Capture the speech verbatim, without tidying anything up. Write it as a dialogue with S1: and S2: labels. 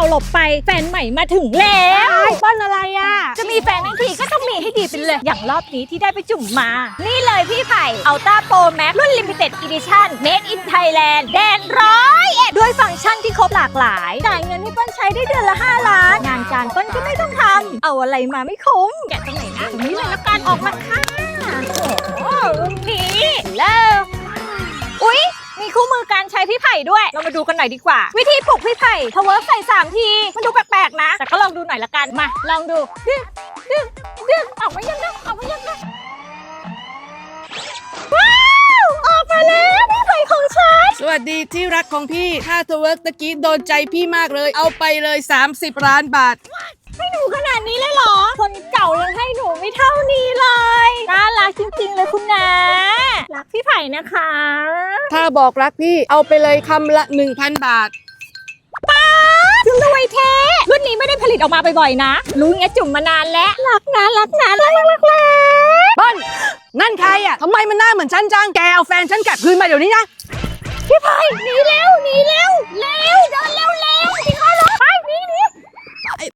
S1: หลบไปแฟนใหม่มาถึงแล้ว
S2: ป้อนอะไรอ่ะ
S1: จะมีแฟนทั้งทีก็ต้องมีให้ดีเป็นเลยอย่างรอบนี้ที่ได้ไปจุ่มมา นี่เลยพี่ไผ่ Ultra Pro Max รุ่น Limited Edition Made in Thailand แดนร้อยเอ็ดด้วยฟังก์ชันที่ครบหลากหลายจ่ายเงินให้เปิ้ลใช้ได้เดือนละห้าล้านงานการเปิ้ลก็ไม่ต้องทำเอาอะไรมาไม่คุ้มแกะตรงไหนนะตรงนี้เลยแล้วกันออกมาค่ะโอ้โหรุ่นนี้เลิกอุ๊ยมีคู่มือการใช้พี่ไผ่ด้วยเรามาดูกันหน่อยดีกว่าวิธีปลุกพี่ไผ่ทเวิร์กใส่สามทีมันดูแปลกๆนะแต่ก็ลองดูหน่อยละกันมาลองดูดึงดึงดึงออกมายังดึงออกมายังดึงว้าวออกมาแล้วพี่ไผ่ของฉัน
S2: สวัสดีที่รักของพี่ถ้าทเวิร์กตะกี้โดนใจพี่มากเลยเอาไปเลยสามสิบล้านบาท
S1: ให้หนูขนาดนี้เลยเหรอคนเก่ายังให้หนูไม่เท่านี้เลยน่ารักจริงๆเลยคุณนะรักพี่ไผ่นะคะ
S2: ถ้าบอกรักพี่เอาไปเลยคำละ หนึ่งพัน บาท
S1: ป้าถึงรวยแท้รุ่นนี้ไม่ได้ผลิตออกมาบ่อยๆนะรู้งี้จุ่มมานานแล้วรักนะรักนะรักรักรักรัก
S2: เปิ้ลนั่นใครอ่ะทำไมมันหน้าเหมือนฉันจังแกเอาแฟนฉันกลับคืนมาเดี๋ยวนี้นะ
S1: พี่ไผ่หนีเร็วห